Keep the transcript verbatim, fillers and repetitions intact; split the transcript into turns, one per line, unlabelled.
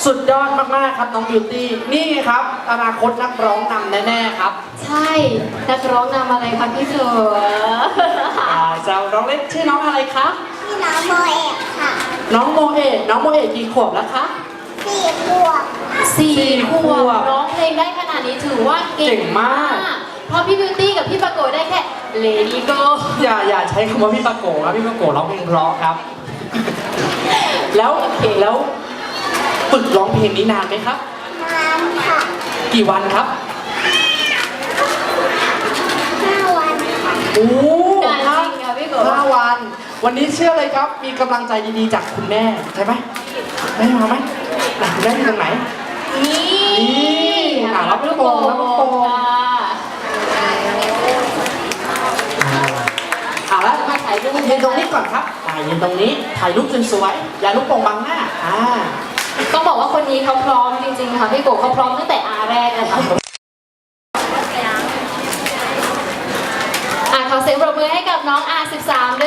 สุดยอดมากๆครับน้องบิวตี้นี่ไงครับอนาคตนักร้องนำแน่ๆครับ
ใช่นักร้องนำอะไรคะพี่เสือ
อ่าจะร้องเล่นชื่อน้องอะไรคะ
พี่น้องโมเอกค่ะ
น้องโมเอะน้องโมเอะกี่ขวบแล้วคะ
สี่ขวบ
สี่
สี่
ข
ข
ว
ว
บบ ร้องเพลงได้ขนาดนี้ถือว่าเก่
เก่
ง
งมาก
เพราะพี่บิวตี้กับพี่ปะโกได้แค่ Lady Go
อย่าอย่าใช้คำว่าพี่ปะโกะครับพี่ปะโกะร้องเพลงเพราะครับ แล้วแล้วฝึกร้องเพลงนี้นานไหมครับ
นานค่ะ
กี่วันครับ
ห้าวันค่ะ
โอ้
นานจริงค่ะพี่โก
ห้าวัน วันนี้เชื่อเลยครับ มีกำลังใจดีๆจากคุณแม่ใช่ไหมแม่มาไหมไหนคุณแม่อยู่ตรงไหน
นี่
นี่อ่ะรับลูกโป่งรับลูกโป่ง
ค่ะ
เอาละมาถ่ายรูปยืนตรงนี้ก่อนครับอ่ายืนตรงนี้ถ่ายรูปสวยๆอย่าลูกโป่งบังหน้าอ่า
ต้องบอกว่าคนนี้เขาพร้อมจริงๆค่ะพี่โกเขาพร้อมตั้งแต่อาแรกเลยค่ะอ่ะขอเสียงปรบมือให้กับน้องอาสิบสามด้วย